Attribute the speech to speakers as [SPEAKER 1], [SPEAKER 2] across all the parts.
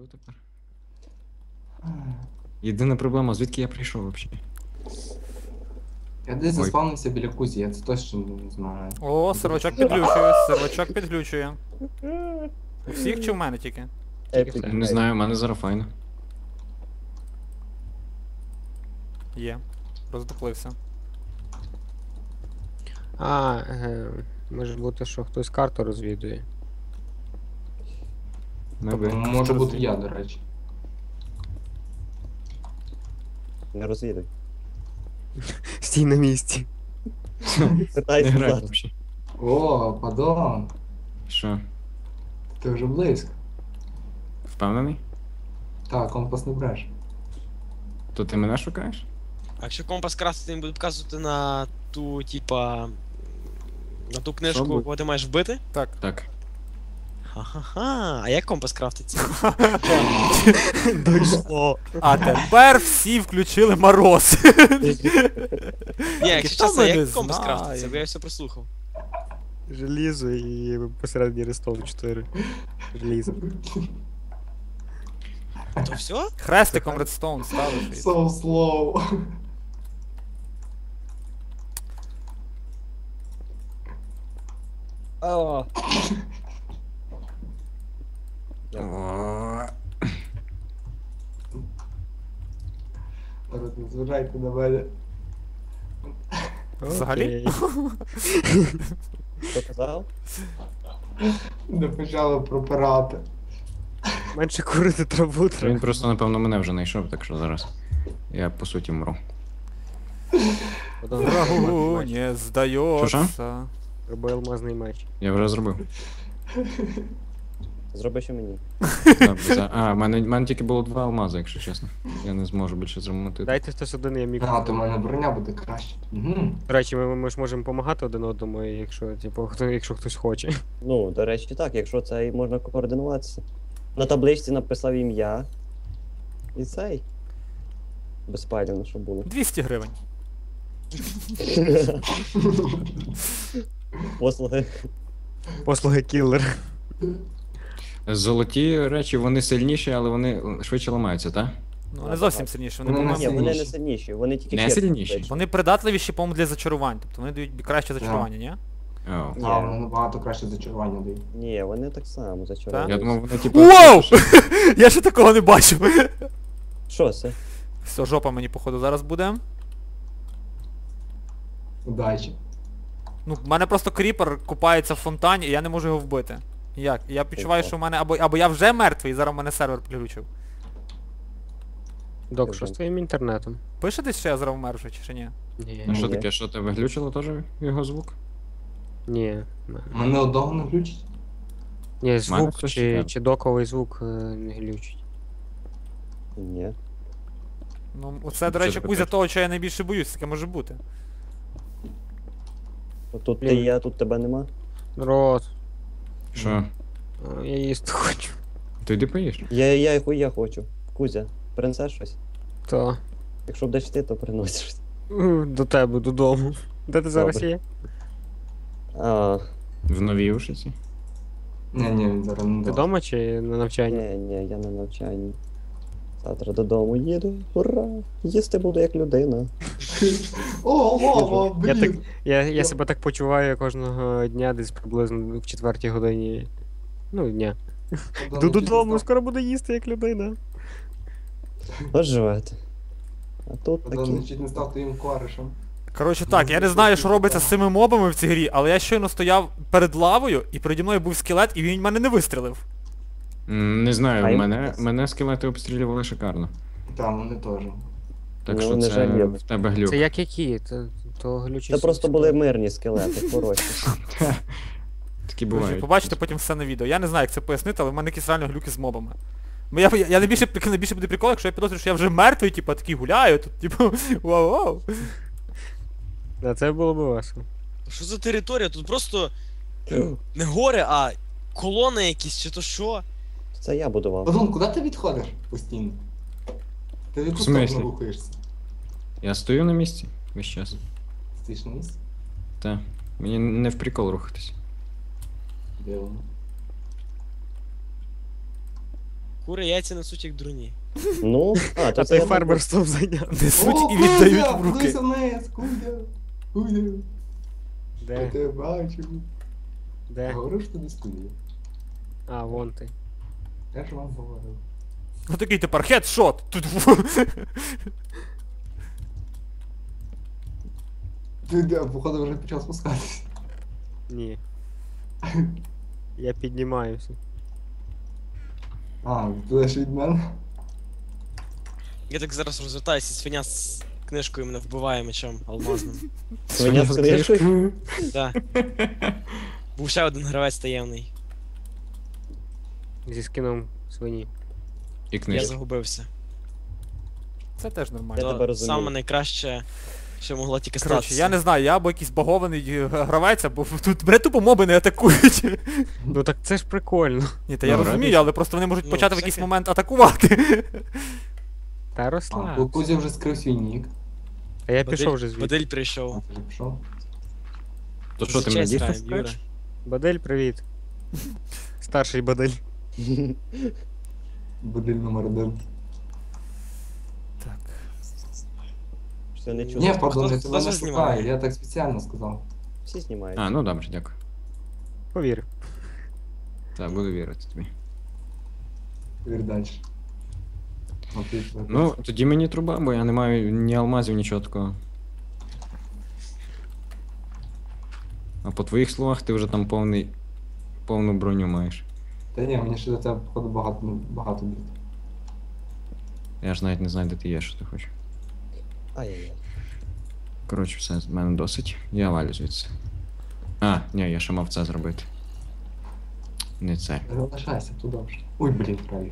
[SPEAKER 1] живу тепер. Єдина проблема, звідки я прийшов взагалі?
[SPEAKER 2] Я десь
[SPEAKER 1] Ой.
[SPEAKER 2] заспавнився біля кузі, я це точно не знаю.
[SPEAKER 3] О, сервачок підглючує, сервачок підглючує. У всіх чи в мене тільки?
[SPEAKER 1] Не знаю, в мене зараз файно.
[SPEAKER 3] Є. Роздуплився.
[SPEAKER 4] Може бути, що хтось карту розвідує.
[SPEAKER 2] Тобто, може бути я, до речі.
[SPEAKER 5] Не розвідуй.
[SPEAKER 4] Стій на місці.
[SPEAKER 1] Не
[SPEAKER 5] Питайся
[SPEAKER 1] грай
[SPEAKER 5] зараз.
[SPEAKER 1] взагалі.
[SPEAKER 2] О, падон,
[SPEAKER 1] Що,
[SPEAKER 2] ти вже близько.
[SPEAKER 1] впевнений?
[SPEAKER 2] Так, компас не бреш.
[SPEAKER 1] То ти мене шукаєш?
[SPEAKER 6] А якщо компас красти, він буде показувати на ту, типа. На ту книжку,
[SPEAKER 1] буде?
[SPEAKER 6] кого ти маєш вбити?
[SPEAKER 1] Так.
[SPEAKER 6] Ха-ха-ха. А як компас крафтиться?
[SPEAKER 4] Дійшло.
[SPEAKER 3] А тепер всі включили мороз.
[SPEAKER 6] Ні, якщо
[SPEAKER 3] Хто
[SPEAKER 6] чесно,
[SPEAKER 3] мене
[SPEAKER 6] як компас
[SPEAKER 3] знає?
[SPEAKER 6] крафтиться, бо я все прослухав.
[SPEAKER 4] Желізо і посередині рестов 4. Желізо.
[SPEAKER 6] То все?
[SPEAKER 3] Хрестиком редстоун ставиш. і-
[SPEAKER 2] So slow. Народ, не зважайте на мене.
[SPEAKER 3] Взагалі?
[SPEAKER 4] Окей.
[SPEAKER 5] Що казав?
[SPEAKER 2] Не почали пропирати.
[SPEAKER 4] Менше курити траву
[SPEAKER 1] Він
[SPEAKER 4] треба.
[SPEAKER 1] просто, напевно, мене вже знайшов, так що зараз я по суті мру.
[SPEAKER 3] Врагу не
[SPEAKER 1] Що-що?
[SPEAKER 3] здається.
[SPEAKER 4] Роби алмазний меч.
[SPEAKER 1] Я вже зробив.
[SPEAKER 5] Зроби ще мені.
[SPEAKER 1] А, в мене тільки було 2 алмази, якщо чесно. Я не зможу більше зремонтити.
[SPEAKER 4] Дайте хтось один, я мікро.
[SPEAKER 2] А, то в мене броня буде краще. Угу.
[SPEAKER 4] До речі, ми ж можемо допомагати один одному, якщо, типу, якщо хтось хоче.
[SPEAKER 5] Ну, до речі, так, якщо це і можна координуватися. На табличці написав ім'я. І цей. Безпалівно, що було.
[SPEAKER 3] 200 гривень.
[SPEAKER 5] Послуги.
[SPEAKER 4] Послуги кіллер.
[SPEAKER 1] Золоті речі, вони сильніші, але вони швидше ламаються, так?
[SPEAKER 3] Ну, не зовсім сильніше, вони,
[SPEAKER 2] Ну,
[SPEAKER 3] по-моєму,
[SPEAKER 5] Ні, вони не
[SPEAKER 2] Сильніші.
[SPEAKER 5] сильніші, вони тільки
[SPEAKER 1] Не
[SPEAKER 5] ширші
[SPEAKER 1] сильніші?
[SPEAKER 5] таблички.
[SPEAKER 3] вони придатливіші, по-моєму, для зачарувань. Тобто вони дають краще зачарування, ні?
[SPEAKER 1] О.
[SPEAKER 5] Ні.
[SPEAKER 2] А, вони набагато краще зачарування дають.
[SPEAKER 5] Ні, вони так само зачаровані.
[SPEAKER 1] Я думав, вони типу.
[SPEAKER 3] Вау! Я ще такого не бачив.
[SPEAKER 5] Що це?
[SPEAKER 3] Все, жопа мені, походу, зараз буде.
[SPEAKER 2] Удачі.
[SPEAKER 3] Ну, в мене просто кріпер купається в фонтані, і я не можу його вбити. Як? Я відчуваю, що в мене або я вже мертвий, і зараз в мене сервер приключив.
[SPEAKER 4] Док, що з твоїм інтернетом?
[SPEAKER 3] Пише десь, що я зараз вмер вже, чи ні?
[SPEAKER 4] Ні.
[SPEAKER 1] А що
[SPEAKER 5] Ні.
[SPEAKER 1] таке, що тебе глючило теж його звук?
[SPEAKER 4] Ні.
[SPEAKER 2] Мене одного не включить.
[SPEAKER 4] Ні, звук
[SPEAKER 1] хтось
[SPEAKER 4] чи,
[SPEAKER 1] чекає.
[SPEAKER 4] чи доковий звук не глючить.
[SPEAKER 5] Ні.
[SPEAKER 3] Ну, оце, до
[SPEAKER 1] Що
[SPEAKER 3] речі,
[SPEAKER 1] ти
[SPEAKER 3] Кузя
[SPEAKER 1] питаєш?
[SPEAKER 3] того, що я найбільше боюсь, таке може бути.
[SPEAKER 5] Тут ти
[SPEAKER 4] Блін.
[SPEAKER 5] і я, тут тебе нема.
[SPEAKER 4] Народ,
[SPEAKER 1] Що?
[SPEAKER 4] я їсти хочу.
[SPEAKER 1] Ти йди поїш?
[SPEAKER 5] Я хочу. Кузя, принесеш щось?
[SPEAKER 4] То.
[SPEAKER 5] Якщо будеш ти, то приносиш.
[SPEAKER 4] До тебе, додому. Де ти зараз
[SPEAKER 5] Добре.
[SPEAKER 4] є?
[SPEAKER 5] А,
[SPEAKER 1] В новій ушиці?
[SPEAKER 2] Ні, він зараз не
[SPEAKER 4] Ти
[SPEAKER 2] дасть.
[SPEAKER 4] вдома чи на навчанні?
[SPEAKER 5] ні, я на навчанні. Завтра додому їду. Ура! Їсти буду як людина.
[SPEAKER 2] О, лава,
[SPEAKER 4] Я, так,
[SPEAKER 2] блін.
[SPEAKER 4] я себе так почуваю кожного дня, десь приблизно в 4-й годині. Ну, дня. Йду додому, скоро буду їсти як людина.
[SPEAKER 5] От живете. А тут
[SPEAKER 2] Богдан
[SPEAKER 5] такі.
[SPEAKER 2] чуть не став твоїм коришем.
[SPEAKER 3] Коротше так, я не знаю, що робиться з цими мобами в цій грі, але я щойно стояв перед лавою, і переді мною був скелет, і він в мене не вистрілив.
[SPEAKER 1] Не знаю,
[SPEAKER 5] А їм-
[SPEAKER 1] мене скелети обстрілювали шикарно.
[SPEAKER 2] Там вони теж.
[SPEAKER 1] Так
[SPEAKER 5] Ну,
[SPEAKER 1] що
[SPEAKER 5] вони
[SPEAKER 1] це
[SPEAKER 5] жаліли.
[SPEAKER 1] в тебе глюк.
[SPEAKER 4] Це як які? То глючі.
[SPEAKER 5] Це просто були мирні скелети, хороші.
[SPEAKER 1] Такі
[SPEAKER 3] Друзі,
[SPEAKER 1] бувають.
[SPEAKER 3] побачите потім все на відео. Я не знаю, як це пояснити, але в мене якісь реально глюки з мобами. Я найбільше буде прикол, якщо я підозрюю, що я вже мертвий, типу, такий гуляю, тут, типу, вау-вау.
[SPEAKER 4] Да, це було б весело.
[SPEAKER 6] Що за територія? Тут просто не гори, а колони якісь, чи то що?
[SPEAKER 5] Це я будував.
[SPEAKER 2] Богдан, куди ти відходиш постійно? Ти в яку
[SPEAKER 1] В смислі?
[SPEAKER 2] сторону рухаєшся?
[SPEAKER 1] Я стою на місці весь час.
[SPEAKER 2] Стоїш на місці?
[SPEAKER 1] Та. Мені не в прикол рухатись.
[SPEAKER 2] Дивно.
[SPEAKER 6] Кури яйця несуть як дурні.
[SPEAKER 5] Ну,
[SPEAKER 4] А
[SPEAKER 5] то
[SPEAKER 4] той
[SPEAKER 5] я
[SPEAKER 4] фермерством зайняв.
[SPEAKER 3] Несуть і віддають в руки.
[SPEAKER 2] Кудися вниз, Кудя. Кудя. Я
[SPEAKER 4] Де?
[SPEAKER 2] тебе бачу.
[SPEAKER 4] Де?
[SPEAKER 2] Говорив, що ти десь Кудя.
[SPEAKER 4] А, вон ти.
[SPEAKER 2] Я ж вам говорив.
[SPEAKER 3] Ну такий тепер хедшот. Тут
[SPEAKER 2] Ти де, походу, вже почав спускатися.
[SPEAKER 4] Ні. Я піднімаюся.
[SPEAKER 2] А, ти ж від мене?
[SPEAKER 6] Я так зараз розвертаюся, свиня з книжкою мене вбиває мечом алмазним.
[SPEAKER 5] Свиня з книжкою?
[SPEAKER 6] Да. Був ще один гравець таємний.
[SPEAKER 4] Зі скином свині.
[SPEAKER 1] І
[SPEAKER 6] Я
[SPEAKER 1] книжки.
[SPEAKER 6] загубився.
[SPEAKER 3] Це теж нормально.
[SPEAKER 5] Я тебе
[SPEAKER 6] То
[SPEAKER 5] розумію.
[SPEAKER 6] саме найкраще, що могло тільки
[SPEAKER 3] Коротше,
[SPEAKER 6] статися.
[SPEAKER 3] я не знаю, я або якийсь багований гравець, або тут мене тупо моби не атакують.
[SPEAKER 4] Ну так це ж прикольно.
[SPEAKER 3] Ні, та я
[SPEAKER 1] Ну,
[SPEAKER 3] розумію,
[SPEAKER 1] радий.
[SPEAKER 3] але просто вони можуть
[SPEAKER 6] Ну,
[SPEAKER 3] почати в
[SPEAKER 6] всяке.
[SPEAKER 3] якийсь момент атакувати.
[SPEAKER 4] Та
[SPEAKER 2] А,
[SPEAKER 4] розслаб.
[SPEAKER 2] Кузя вже скрив свій нік.
[SPEAKER 4] А я пішов вже звідти.
[SPEAKER 6] Бадель
[SPEAKER 2] А,
[SPEAKER 6] прийшов.
[SPEAKER 2] ти вже пішов?
[SPEAKER 1] То що ти
[SPEAKER 6] За
[SPEAKER 1] мене
[SPEAKER 6] честь
[SPEAKER 1] дійсно
[SPEAKER 6] граємо, Юра.
[SPEAKER 1] скажеш?
[SPEAKER 4] Бадель, привіт. Старший Бадель.
[SPEAKER 2] Будиль номер 1.
[SPEAKER 3] Так.
[SPEAKER 5] Все не чую.
[SPEAKER 2] Ні, пардон, я
[SPEAKER 6] хто
[SPEAKER 2] тебе
[SPEAKER 6] це
[SPEAKER 2] не
[SPEAKER 6] знімає?
[SPEAKER 2] шукаю, я так спеціально сказав.
[SPEAKER 5] Всі знімають.
[SPEAKER 1] А, ну добре, дякую.
[SPEAKER 4] Повір.
[SPEAKER 1] Так, буду вірити тобі.
[SPEAKER 2] Вір далі.
[SPEAKER 1] Ну, тоді мені труба, бо я не маю ні алмазів, нічого такого. А по твоїх словах ти вже там повну броню маєш.
[SPEAKER 2] Та ні, мені ще до тебе, походу, багато бід.
[SPEAKER 1] Я ж навіть не знаю, де ти є, що ти хочеш.
[SPEAKER 5] Ай-яй-яй.
[SPEAKER 1] Коротше, все, з мене досить. Я валю звідси. А, ні, я ще мав це зробити. Не це.
[SPEAKER 2] Залишайся, тут добре. Ой, блін, правильно.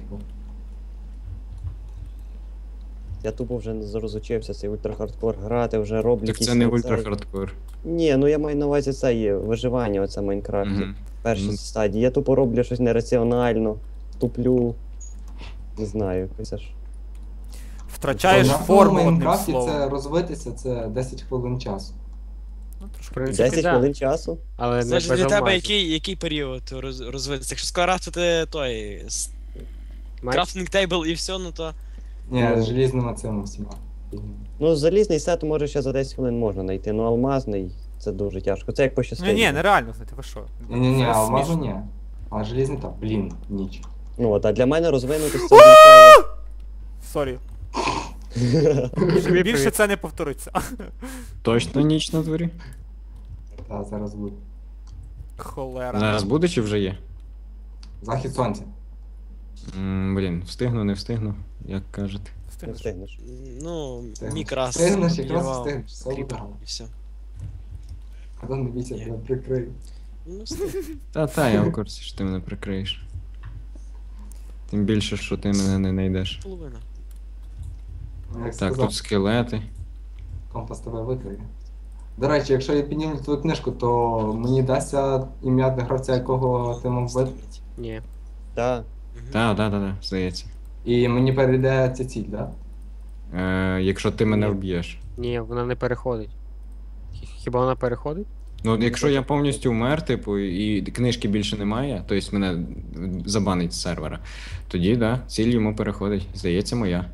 [SPEAKER 5] Я тупо вже не розучився цей ультрахардкор грати, вже роблю
[SPEAKER 1] Так
[SPEAKER 5] якісь
[SPEAKER 1] це не
[SPEAKER 5] оцей-
[SPEAKER 1] ультра хардкор.
[SPEAKER 5] Ні, ну я маю на увазі це є виживання, оце в Майнкрафті.
[SPEAKER 1] Мгм.
[SPEAKER 5] Перші
[SPEAKER 1] Ну.
[SPEAKER 5] стадії. Я тупо роблю щось нераціонально, туплю. Не знаю, це ж.
[SPEAKER 3] Втрачаєш
[SPEAKER 2] На
[SPEAKER 3] форму одним
[SPEAKER 2] Майнкрафті це
[SPEAKER 3] словом.
[SPEAKER 2] розвитися, це 10 хвилин часу.
[SPEAKER 3] Ну, трошки.
[SPEAKER 4] В принципі,
[SPEAKER 5] 10
[SPEAKER 4] да.
[SPEAKER 5] хвилин часу?
[SPEAKER 4] Але не
[SPEAKER 6] Залежить
[SPEAKER 4] без
[SPEAKER 6] від тебе,
[SPEAKER 4] алмазів.
[SPEAKER 6] який період розвитися. Якщо скрафтити той
[SPEAKER 4] Май-
[SPEAKER 6] крафтинг тейбл і все, ну то.
[SPEAKER 2] Ні,
[SPEAKER 5] Ну.
[SPEAKER 2] з желізними цими всіма.
[SPEAKER 5] Ну, залізний сет може ще за 10 хвилин можна знайти, ну алмазний це дуже тяжко. Це як пощастило.
[SPEAKER 3] Ні, нереально, знаєте, ви що?
[SPEAKER 2] Ні-ні-ні,
[SPEAKER 3] Це
[SPEAKER 2] алмазу
[SPEAKER 3] смішно.
[SPEAKER 2] ні. А желізний так, блін, ніч.
[SPEAKER 5] Ну, от, а для мене розвинутись це означає.
[SPEAKER 3] Сорі.
[SPEAKER 4] Тобі
[SPEAKER 3] Більше
[SPEAKER 4] привіт.
[SPEAKER 3] це не повториться.
[SPEAKER 1] Точно ніч на дворі?
[SPEAKER 2] Та зараз буде.
[SPEAKER 3] Холера.
[SPEAKER 1] Зараз буде чи вже є?
[SPEAKER 2] Захід сонця.
[SPEAKER 1] Блін, встигну, не встигну, як кажете.
[SPEAKER 5] Не
[SPEAKER 3] Встигнеш.
[SPEAKER 5] встигнеш.
[SPEAKER 6] Ну,
[SPEAKER 2] Встигнеш.
[SPEAKER 6] мікрас.
[SPEAKER 2] Встигнеш, якраз
[SPEAKER 6] підірвав
[SPEAKER 2] встигнеш, все буде
[SPEAKER 6] кріпер,
[SPEAKER 2] гарно.
[SPEAKER 6] і все.
[SPEAKER 2] А не бійся,
[SPEAKER 6] Ні.
[SPEAKER 2] тебе прикрию.
[SPEAKER 6] Ну, встиг.
[SPEAKER 1] Та, я в курсі, що ти мене прикриєш. Тим більше, що ти мене не знайдеш.
[SPEAKER 6] Половина.
[SPEAKER 2] Ну, Як
[SPEAKER 1] Так,
[SPEAKER 2] сказав,
[SPEAKER 1] тут скелети.
[SPEAKER 2] компас тебе викриє. До речі, якщо я підніму твою книжку, то мені дасться ім'я гравця, якого ти мав вбити.
[SPEAKER 4] Ні.
[SPEAKER 5] Так.
[SPEAKER 6] Мгм.
[SPEAKER 1] Та, здається.
[SPEAKER 2] І мені перейде ця ціль, так?
[SPEAKER 1] Якщо ти мене
[SPEAKER 4] Ні.
[SPEAKER 1] вб'єш.
[SPEAKER 4] Ні, вона не переходить. Хіба вона переходить?
[SPEAKER 1] Ну, якщо я повністю вмер, типу, і книжки більше немає, тобто мене забанить з сервера, тоді, да, ціль йому переходить. Здається, моя.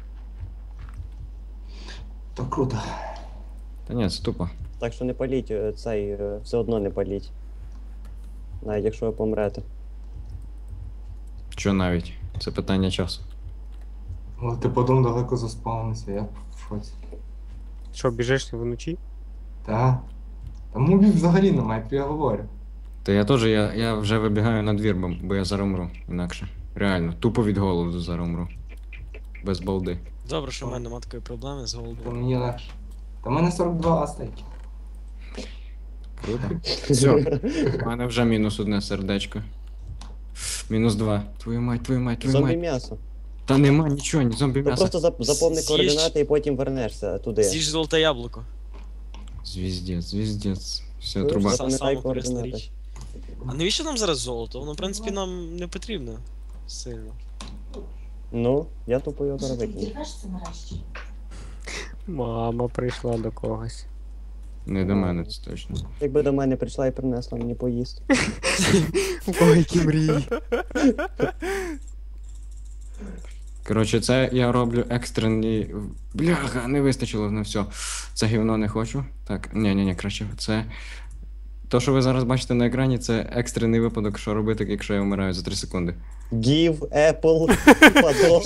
[SPEAKER 2] То круто.
[SPEAKER 1] Та ні, це тупо.
[SPEAKER 5] Так що не паліть цей, все одно не паліть. Навіть якщо ви помрете.
[SPEAKER 1] Що навіть? Це питання часу.
[SPEAKER 2] Але ти потім далеко заспавнився, я в шоці.
[SPEAKER 4] Що, біжиш вночі?
[SPEAKER 2] Та. Та мобів взагалі немає, як я говорю.
[SPEAKER 1] Та я теж, я вже вибігаю на двір, бо я зараз умру, інакше. Реально, тупо від голоду зараз умру. Без балди.
[SPEAKER 6] Добре, що в мене немає такої проблеми з
[SPEAKER 2] То
[SPEAKER 6] голодом.
[SPEAKER 2] мені легше. Та в мене 42 астейки.
[SPEAKER 1] Круто. Все, у мене вже мінус одне сердечко. Мінус 2. Твою мать.
[SPEAKER 5] Зомбі м'ясо.
[SPEAKER 1] Та нема нічого, ні зомбі
[SPEAKER 5] Ну
[SPEAKER 1] м'яса.
[SPEAKER 5] просто заповни
[SPEAKER 6] З'їж.
[SPEAKER 5] координати і потім вернешся туди.
[SPEAKER 6] З'їж золоте яблуко.
[SPEAKER 1] Звіздець. Все,
[SPEAKER 5] Ну,
[SPEAKER 1] труба.
[SPEAKER 5] все. Пам'ятай
[SPEAKER 6] Саме корисна
[SPEAKER 5] координати.
[SPEAKER 6] річ. А навіщо нам зараз золото? Воно, в принципі, нам не потрібно сильно.
[SPEAKER 5] Ну, я тупо його зараз викину.
[SPEAKER 7] Дірвешся нарешті.
[SPEAKER 4] Мама прийшла до когось.
[SPEAKER 1] Не до мене, це точно.
[SPEAKER 5] Якби до мене прийшла і принесла мені поїсти.
[SPEAKER 4] У кого які мрії?
[SPEAKER 1] Коротше, це я роблю екстрений. Бляха, не вистачило на все. Це гівно не хочу. Так, ні, краще. Це. То, що ви зараз бачите на екрані, це екстрений випадок, що робити, якщо я вмираю за 3 секунди.
[SPEAKER 5] Give Apple падон.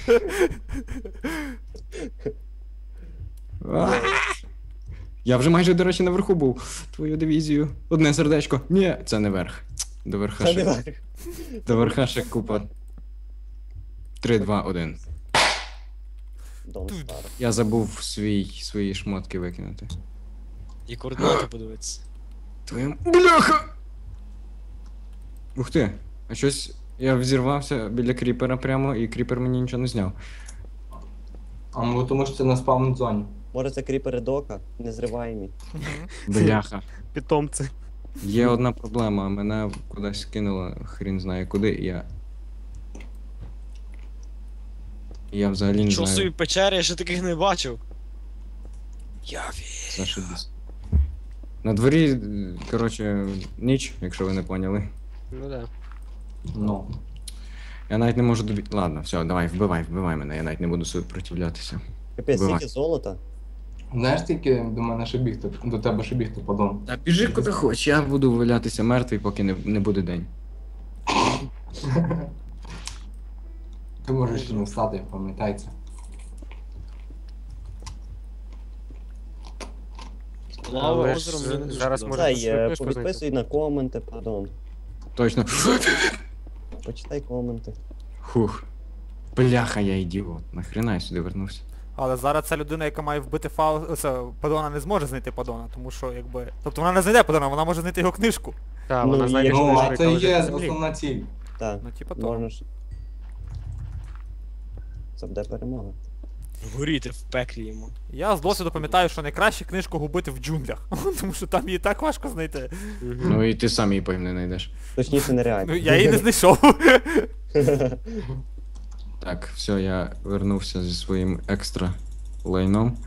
[SPEAKER 1] Я вже майже, до речі, наверху був. Твою дивізію. Одне сердечко. Ні, це не верх. До верха
[SPEAKER 5] Це не
[SPEAKER 1] ще.
[SPEAKER 5] важко.
[SPEAKER 1] До верха ще купа. 3, 2, 1.
[SPEAKER 5] Don't start.
[SPEAKER 1] Я забув свої шмотки викинути.
[SPEAKER 6] І координати подивитися.
[SPEAKER 1] Твоєму. Бляха! Ух ти! А щось. Я взірвався біля кріпера прямо, і кріпер мені нічого не зняв.
[SPEAKER 2] А ну тому що це на спавн зоні.
[SPEAKER 5] Може це кріпери дока, незриваємі.
[SPEAKER 1] Бляха.
[SPEAKER 4] Питомці.
[SPEAKER 1] Є одна проблема, мене кудись кинуло, хрін знає куди, і я. Я взагалі не
[SPEAKER 6] Що собі
[SPEAKER 1] знаю.
[SPEAKER 6] печери, я ще таких не бачив. Я
[SPEAKER 1] Зашибісь. На дворі, коротше, ніч, якщо ви не поняли.
[SPEAKER 4] Ну да.
[SPEAKER 2] Ну.
[SPEAKER 1] Я навіть не можу добі. Ладно, все, давай, вбивай мене, я навіть не буду супротивлятися.
[SPEAKER 5] Капець,
[SPEAKER 1] Бувай.
[SPEAKER 5] скільки золота?
[SPEAKER 2] Знаєш, тільки до мене ще бігти, до тебе ще бігти подон.
[SPEAKER 1] Та біжи куди хоч, я буду валятися мертвий, поки не буде день.
[SPEAKER 2] Ти можеш ще не встати, пам'ятай це.
[SPEAKER 6] Лава
[SPEAKER 4] Але
[SPEAKER 6] озеро
[SPEAKER 4] ж
[SPEAKER 6] мені не дуже
[SPEAKER 4] зараз
[SPEAKER 6] подобається.
[SPEAKER 4] може
[SPEAKER 5] Дай,
[SPEAKER 4] свою книжку
[SPEAKER 5] повідписуй на коменти, падон.
[SPEAKER 1] Точно.
[SPEAKER 5] Почитай коменти.
[SPEAKER 1] Хух. Бляха, я ідіот. Нахрена я сюди вернувся?
[SPEAKER 3] Але зараз ця людина, яка має вбити Падона, не зможе знайти Падона, тому що якби. Тобто вона не знайде Падона, вона може знайти його книжку.
[SPEAKER 4] Так,
[SPEAKER 5] Ну,
[SPEAKER 4] вона
[SPEAKER 5] і
[SPEAKER 4] знайде
[SPEAKER 5] якщо-
[SPEAKER 2] Ну,
[SPEAKER 4] книжку,
[SPEAKER 2] а це
[SPEAKER 4] яка
[SPEAKER 2] і
[SPEAKER 4] лежить
[SPEAKER 2] є
[SPEAKER 4] на землі.
[SPEAKER 2] основна ціль.
[SPEAKER 5] Так,
[SPEAKER 3] Ну, типа того.
[SPEAKER 5] можна ж. Це буде перемога.
[SPEAKER 6] Горіти в пеклі йому.
[SPEAKER 3] Я з досвіду пам'ятаю, що найкраще книжку губити в джунглях, тому що там її так важко знайти.
[SPEAKER 4] Мгм.
[SPEAKER 1] Ну і ти сам її потім не знайдеш.
[SPEAKER 5] Точніше, нереально.
[SPEAKER 3] Ну я її не знайшов.
[SPEAKER 1] Так, все, я вернувся зі своїм екстра лайном.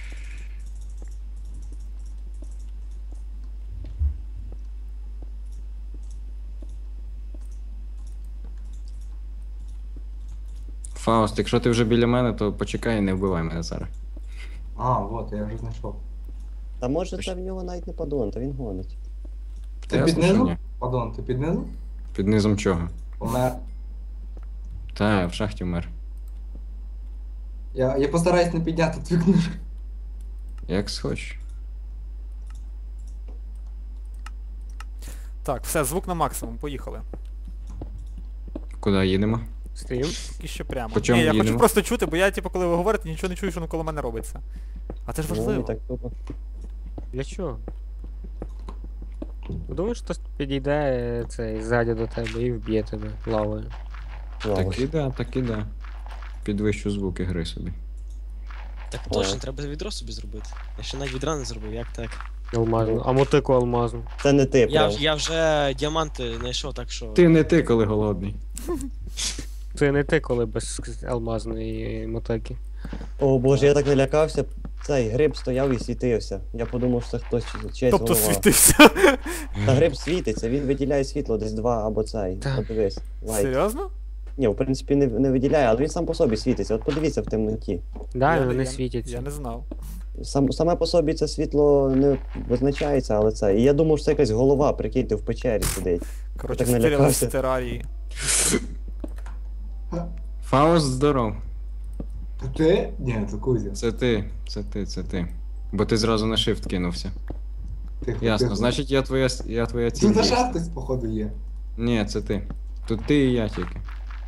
[SPEAKER 1] Фауст, якщо ти вже біля мене, то почекай і не вбивай мене зараз.
[SPEAKER 2] А, от, я вже знайшов.
[SPEAKER 5] Та може це в нього навіть не падон, та він гонить.
[SPEAKER 2] Ти
[SPEAKER 1] Ясно,
[SPEAKER 2] під
[SPEAKER 1] що
[SPEAKER 2] низом?
[SPEAKER 1] ні.
[SPEAKER 2] Падон, ти під низом?
[SPEAKER 1] Під низом чого?
[SPEAKER 2] Помер.
[SPEAKER 1] Та, я в шахті вмер.
[SPEAKER 2] Я постараюсь не підняти твою книжку.
[SPEAKER 1] Як схочеш.
[SPEAKER 3] Так, все, звук на максимум, поїхали.
[SPEAKER 1] Куди їдемо?
[SPEAKER 4] Стоїм.
[SPEAKER 3] І ще прямо.
[SPEAKER 1] По чому
[SPEAKER 3] Ні, я хочу
[SPEAKER 1] їдемо?
[SPEAKER 3] просто чути, бо я, типу, коли ви говорите, нічого не чую, що навколо мене робиться. А це ж
[SPEAKER 5] Ну, і
[SPEAKER 3] важливо.
[SPEAKER 5] так тупо.
[SPEAKER 4] Для чого? Думаєш, хтось підійде цей ззаді до тебе і вб'є тебе лавою.
[SPEAKER 5] Лавою.
[SPEAKER 1] Так і да. Підвищу звуки гри собі.
[SPEAKER 6] Так точно, треба відро собі зробити. Я ще навіть відра не зробив, як так?
[SPEAKER 4] Алмазну. А мотику алмазну.
[SPEAKER 5] Це не ти,
[SPEAKER 6] Я,
[SPEAKER 5] прям.
[SPEAKER 6] я вже діаманти знайшов, так що.
[SPEAKER 1] Ти не ти, коли голодний.
[SPEAKER 4] Це не ти, коли без алмазної мотики.
[SPEAKER 5] О боже, я так налякався. Цей гриб стояв і світився. Я подумав, що це хтось чиясь
[SPEAKER 3] Тобто
[SPEAKER 5] голова.
[SPEAKER 3] світився.
[SPEAKER 5] Та гриб світиться, він виділяє світло десь 2 або цей.
[SPEAKER 4] Так.
[SPEAKER 5] Подивись. Лайк.
[SPEAKER 3] Серйозно?
[SPEAKER 5] Ні, в принципі не виділяє, але він сам по собі світиться. От подивіться в темноті.
[SPEAKER 4] Да,
[SPEAKER 3] Я-
[SPEAKER 4] вони
[SPEAKER 3] я-
[SPEAKER 4] світяться.
[SPEAKER 3] Я не знав.
[SPEAKER 5] Саме по собі це світло не визначається, але це. І я думав, що це якась голова, прикиньте, в печері сидить.
[SPEAKER 3] Коротше,
[SPEAKER 5] так
[SPEAKER 3] стирили
[SPEAKER 5] налякався.
[SPEAKER 3] в терарії.
[SPEAKER 1] Фауст, здоров.
[SPEAKER 2] Та ти? Ні, це Кузя.
[SPEAKER 1] Це ти. Бо ти зразу на shift кинувся.
[SPEAKER 2] Тихо,
[SPEAKER 1] Ясно,
[SPEAKER 2] тихо.
[SPEAKER 1] значить я твоя ціль.
[SPEAKER 2] Тут
[SPEAKER 1] є.
[SPEAKER 2] ще хтось, походу, є.
[SPEAKER 1] Ні, це ти. Тут ти і я тільки.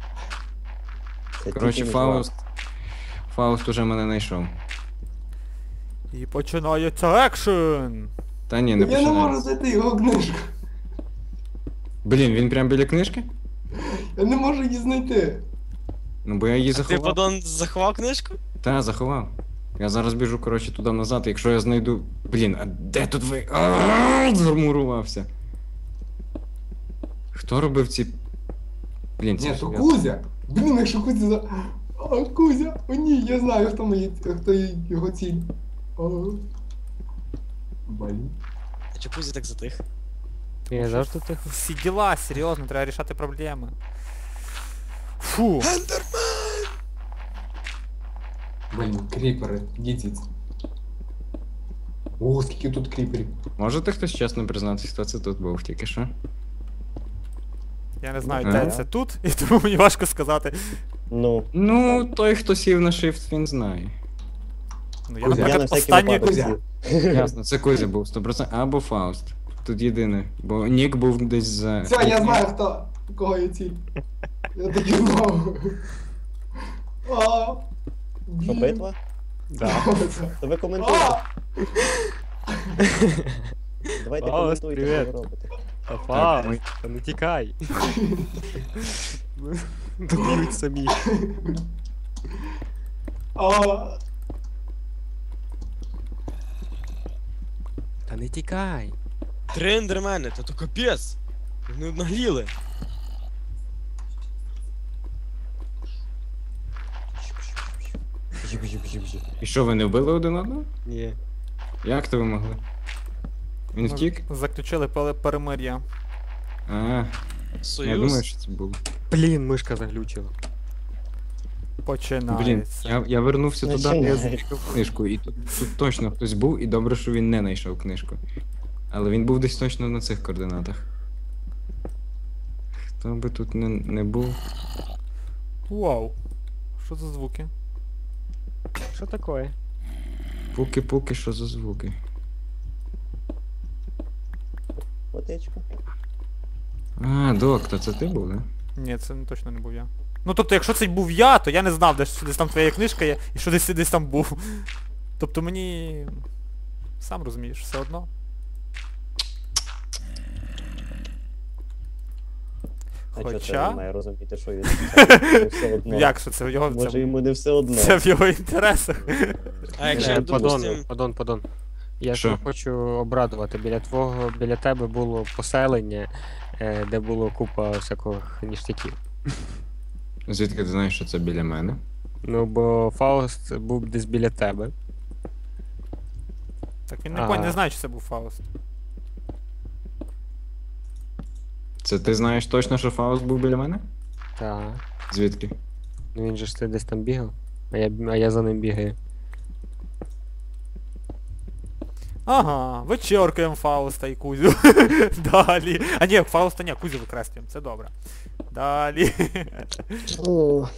[SPEAKER 5] Це
[SPEAKER 1] Коротше,
[SPEAKER 5] тільки
[SPEAKER 1] Фауст уже мене знайшов.
[SPEAKER 3] І починається екшен!
[SPEAKER 1] Та ні, не
[SPEAKER 2] Я не можу
[SPEAKER 1] починай.
[SPEAKER 2] знайти його книжку.
[SPEAKER 1] Блін, він прям біля книжки?
[SPEAKER 2] Я не можу її знайти.
[SPEAKER 1] Ну бо я її
[SPEAKER 6] Ти,
[SPEAKER 1] заховав.
[SPEAKER 6] падон, заховав книжку?
[SPEAKER 1] Та, заховав. Я зараз біжу, коротше, туди назад, якщо я знайду. Блін, а де тут ви? Замурувався. Хто робив ці. Блін, це
[SPEAKER 2] Ні,
[SPEAKER 1] ж
[SPEAKER 2] то
[SPEAKER 1] я.
[SPEAKER 2] Кузя. Блін, якщо Кузя за. А, Кузя! О ні, я знаю, хто його ціль. О. Блін.
[SPEAKER 6] А чому Кузя так затих?
[SPEAKER 4] Я завжди тихо.
[SPEAKER 3] Всі діла, серйозно, треба рішати проблеми. Фу.
[SPEAKER 6] Ендермен!
[SPEAKER 2] Блін, кріпери, дідіць. О, скільки тут кріперів.
[SPEAKER 1] Можете хтось чесно признатися, хто це тут був тільки що?
[SPEAKER 3] Я не знаю,
[SPEAKER 1] Ага.
[SPEAKER 3] де це тут, і тому мені важко сказати.
[SPEAKER 5] Ну,
[SPEAKER 1] Ну, той, хто сів на shift, він знає.
[SPEAKER 3] Ну, я,
[SPEAKER 2] Кузя,
[SPEAKER 5] я на
[SPEAKER 3] наприклад,
[SPEAKER 5] всякий
[SPEAKER 3] останній...
[SPEAKER 5] випадок
[SPEAKER 2] Кузя.
[SPEAKER 5] сів.
[SPEAKER 1] Ясно, це Кузя був 100%, або Фауст. Тут єдине, бо Нік був десь за...
[SPEAKER 2] Все, я знаю, хто, кого я ціль. Я таки знав. А,
[SPEAKER 5] Що,
[SPEAKER 2] блін.
[SPEAKER 5] битва?
[SPEAKER 4] Да.
[SPEAKER 5] То ви коментуйте.
[SPEAKER 2] А,
[SPEAKER 5] Давайте
[SPEAKER 4] Фауст,
[SPEAKER 5] коментуйте,
[SPEAKER 4] привіт.
[SPEAKER 5] що ви робите.
[SPEAKER 4] Афа, та не тікай. Доб'ють самі.
[SPEAKER 2] а.
[SPEAKER 4] Та не тікай.
[SPEAKER 6] 3 ендермени, та то капець. Вони нагліли.
[SPEAKER 1] І що, ви не вбили один одного?
[SPEAKER 4] Ні.
[SPEAKER 1] Як то ви могли? Він
[SPEAKER 3] Ми
[SPEAKER 1] втік?
[SPEAKER 3] Заключили перемир'я.
[SPEAKER 1] А, я
[SPEAKER 6] Союз.
[SPEAKER 1] думаю, що це було.
[SPEAKER 4] Блін, мишка заглючила.
[SPEAKER 1] Блін,
[SPEAKER 3] Починається.
[SPEAKER 1] я вернувся туди, де я
[SPEAKER 5] Починається.
[SPEAKER 1] знайшов книжку, і тут точно хтось був, і добре, що він не знайшов книжку. Але він був десь точно на цих координатах. Хто би тут не був.
[SPEAKER 3] Вау. Що за звуки?
[SPEAKER 4] Що таке?
[SPEAKER 1] Пуки-пуки, що за звуки?
[SPEAKER 5] Водичка.
[SPEAKER 1] А, доктор, це ти був, да?
[SPEAKER 3] Ні, це точно не був я. Ну тобто, якщо це був я, то я не знав, десь там твоя книжка є, і що десь там був. Тобто мені... Сам розумієш, все одно.
[SPEAKER 5] А чого це
[SPEAKER 3] Хоча...
[SPEAKER 5] він має розуміти, що він не все одно?
[SPEAKER 3] Як що це в його...
[SPEAKER 5] Може
[SPEAKER 3] Це,
[SPEAKER 5] йому не все одно.
[SPEAKER 3] це в його інтересах.
[SPEAKER 6] А якщо, допустим,
[SPEAKER 4] Падон. Я
[SPEAKER 1] Що?
[SPEAKER 4] ж хочу обрадувати. Біля тебе було поселення, де було купа всяких ніштяків.
[SPEAKER 1] Звідки ти знаєш, що це біля мене?
[SPEAKER 4] Ну, бо Фауст був десь біля тебе.
[SPEAKER 3] Так він
[SPEAKER 4] Ага.
[SPEAKER 3] не знає, чи це був Фауст.
[SPEAKER 1] Це ти знаєш точно, що Фауст був біля мене?
[SPEAKER 4] Так.
[SPEAKER 1] Звідки?
[SPEAKER 4] Ну він же ж ти десь там бігав, а я за ним бігаю.
[SPEAKER 3] Ага, вичеркуємо Фауста і Кузю. Далі. А ні, Фауста ні, Кузю викреслюємо, це добре. Далі.
[SPEAKER 5] О.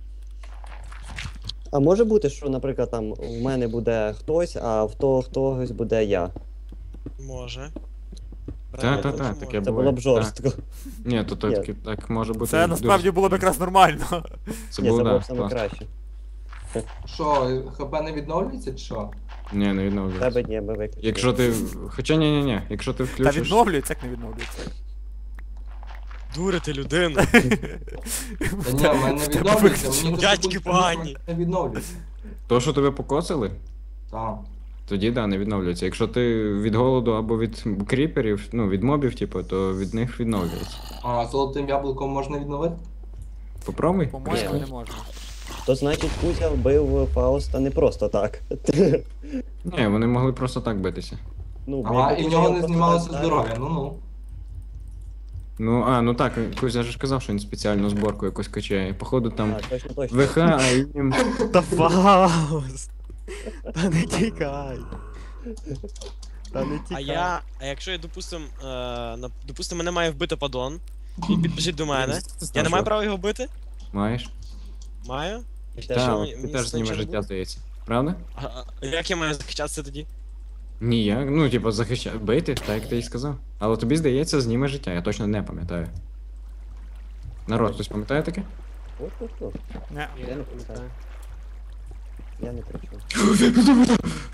[SPEAKER 5] А може бути, що, наприклад, там у мене буде хтось, а в того хтось буде я.
[SPEAKER 6] може.
[SPEAKER 1] Та-та-та,
[SPEAKER 6] Може.
[SPEAKER 1] таке
[SPEAKER 5] Це
[SPEAKER 1] буває.
[SPEAKER 5] було б жорстко.
[SPEAKER 1] Ні, то так може бути.
[SPEAKER 3] Це насправді було б якраз нормально.
[SPEAKER 1] Це
[SPEAKER 5] Ні,
[SPEAKER 1] було,
[SPEAKER 5] це було
[SPEAKER 1] да,
[SPEAKER 5] б саме
[SPEAKER 1] класно.
[SPEAKER 5] краще.
[SPEAKER 2] Що, ХП не відновлюється чи що?
[SPEAKER 1] Ні, не відновлюється.
[SPEAKER 5] Тебе ні, ми виключили.
[SPEAKER 1] Якщо ти. Хоча ні, якщо ти
[SPEAKER 3] Та
[SPEAKER 1] включиш.
[SPEAKER 3] відновлюється, як не відновлюється.
[SPEAKER 6] Дурити людину.
[SPEAKER 2] Та ні, в мене не відновлюється, мені тут
[SPEAKER 6] Дядьки
[SPEAKER 2] тут
[SPEAKER 6] погані.
[SPEAKER 2] не відновлюється.
[SPEAKER 1] То, що тебе покоцали,
[SPEAKER 2] Так.
[SPEAKER 1] тоді да, не відновлюється. Якщо ти від голоду або від кріперів, ну від мобів, типу, то від них відновлюється.
[SPEAKER 2] А золотим яблуком можна відновити?
[SPEAKER 1] Попробуй.
[SPEAKER 3] По-моєму,
[SPEAKER 5] Ні.
[SPEAKER 3] не можна.
[SPEAKER 5] То значить Кузя вбив Фауста не просто так.
[SPEAKER 1] Ні, вони могли просто так битися.
[SPEAKER 5] Ну,
[SPEAKER 2] Ага,
[SPEAKER 5] якби
[SPEAKER 2] і в
[SPEAKER 5] Кузя
[SPEAKER 2] нього
[SPEAKER 5] його
[SPEAKER 2] не
[SPEAKER 5] просто
[SPEAKER 2] знімалося
[SPEAKER 5] так
[SPEAKER 2] здоров'я, ну-ну.
[SPEAKER 1] Ну так, Кузя ж казав, що він спеціальну зборку якусь качає. Походу там
[SPEAKER 5] А, точно.
[SPEAKER 1] ВХ, а їм.
[SPEAKER 4] Та Фауст! Та не тікай! Та не тікай.
[SPEAKER 6] А якщо я, допустим, мене має вбити падон, він підбіжить до мене, я не маю права його вбити?
[SPEAKER 1] Маєш?
[SPEAKER 6] Маю?
[SPEAKER 5] І
[SPEAKER 6] Що,
[SPEAKER 5] теж-
[SPEAKER 1] Так,
[SPEAKER 6] мені-
[SPEAKER 1] ти
[SPEAKER 6] мені
[SPEAKER 1] теж
[SPEAKER 6] це
[SPEAKER 1] зніме
[SPEAKER 6] нічого не
[SPEAKER 1] життя,
[SPEAKER 6] буде?
[SPEAKER 1] здається. Правда?
[SPEAKER 6] Як я маю захищатися тоді?
[SPEAKER 1] Ніяк, ну типу захищати, бити, так як ти і сказав. Але тобі здається, зніме життя, я точно не пам'ятаю. Народ, хтось пам'ятає таке?
[SPEAKER 5] О.
[SPEAKER 3] Не.
[SPEAKER 5] Я не пам'ятаю. Я не причому.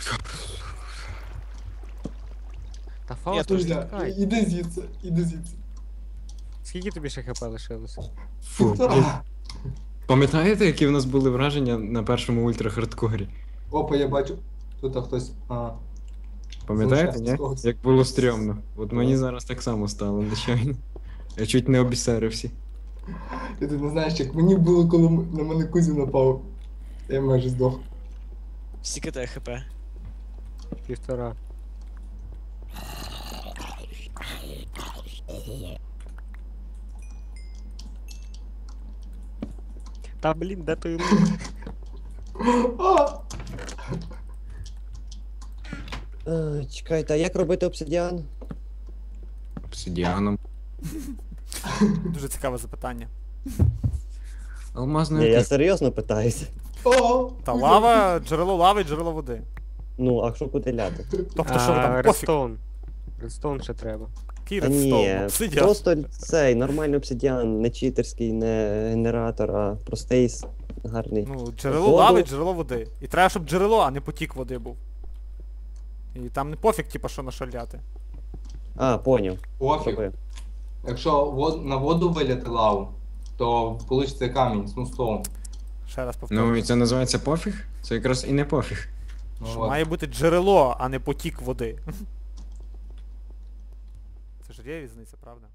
[SPEAKER 4] Та Фауст,
[SPEAKER 6] Я
[SPEAKER 4] не
[SPEAKER 2] Кузя,
[SPEAKER 4] тікай.
[SPEAKER 2] іди звідси, іди звідси.
[SPEAKER 4] Скільки тобі ще хп лишилося?
[SPEAKER 1] Фу, блін. Пам'ятаєте, які в нас були враження на першому ультрахардкорі?
[SPEAKER 2] Опа, я бачу. Тут хтось.
[SPEAKER 1] Пам'ятаєте,
[SPEAKER 2] Залишається
[SPEAKER 1] ні?
[SPEAKER 2] з когось.
[SPEAKER 1] Як було стрьомно. От мені зараз так само стало, нечайно. Я чуть не обісерився.
[SPEAKER 2] Ти не знаєш, як мені було, коли на мене Кузя напав. Я майже здох.
[SPEAKER 6] Скільки тебе хп?
[SPEAKER 4] 1,5. Та блін, де той лук?
[SPEAKER 2] А!
[SPEAKER 5] Чекайте, а як робити обсидіан?
[SPEAKER 1] Обсидіаном.
[SPEAKER 3] Дуже цікаве запитання.
[SPEAKER 5] Ні,
[SPEAKER 1] Алмазною
[SPEAKER 5] я серйозно питаюся.
[SPEAKER 2] О,
[SPEAKER 3] Та
[SPEAKER 2] Кузя.
[SPEAKER 3] лава, джерело лави, джерело води.
[SPEAKER 5] Ну, а що куди ляти?
[SPEAKER 3] Тобто що ви там, пофіг.
[SPEAKER 4] Редстоун. Редстоун ще треба.
[SPEAKER 3] Який
[SPEAKER 5] Та
[SPEAKER 3] редстоун,
[SPEAKER 5] ні,
[SPEAKER 3] обсидіан.
[SPEAKER 5] просто цей нормальний обсидіан, не читерський, не генератор, а простий, гарний.
[SPEAKER 3] Ну, джерело
[SPEAKER 5] Воду.
[SPEAKER 3] лави, джерело води. І треба, щоб джерело, а не потік води був. І там не пофіг, типа, що нашаляти.
[SPEAKER 5] А, поняв.
[SPEAKER 2] Пофіг.
[SPEAKER 5] Зробив.
[SPEAKER 2] Якщо на воду виляти лаву, то вийде камінь, смустоун.
[SPEAKER 3] Ще раз повторюю.
[SPEAKER 1] Ну і це називається пофіг? Це якраз і не пофіг.
[SPEAKER 2] Ну,
[SPEAKER 3] Що
[SPEAKER 2] от.
[SPEAKER 3] має бути джерело, а не потік води. Це ж є різниця, правда?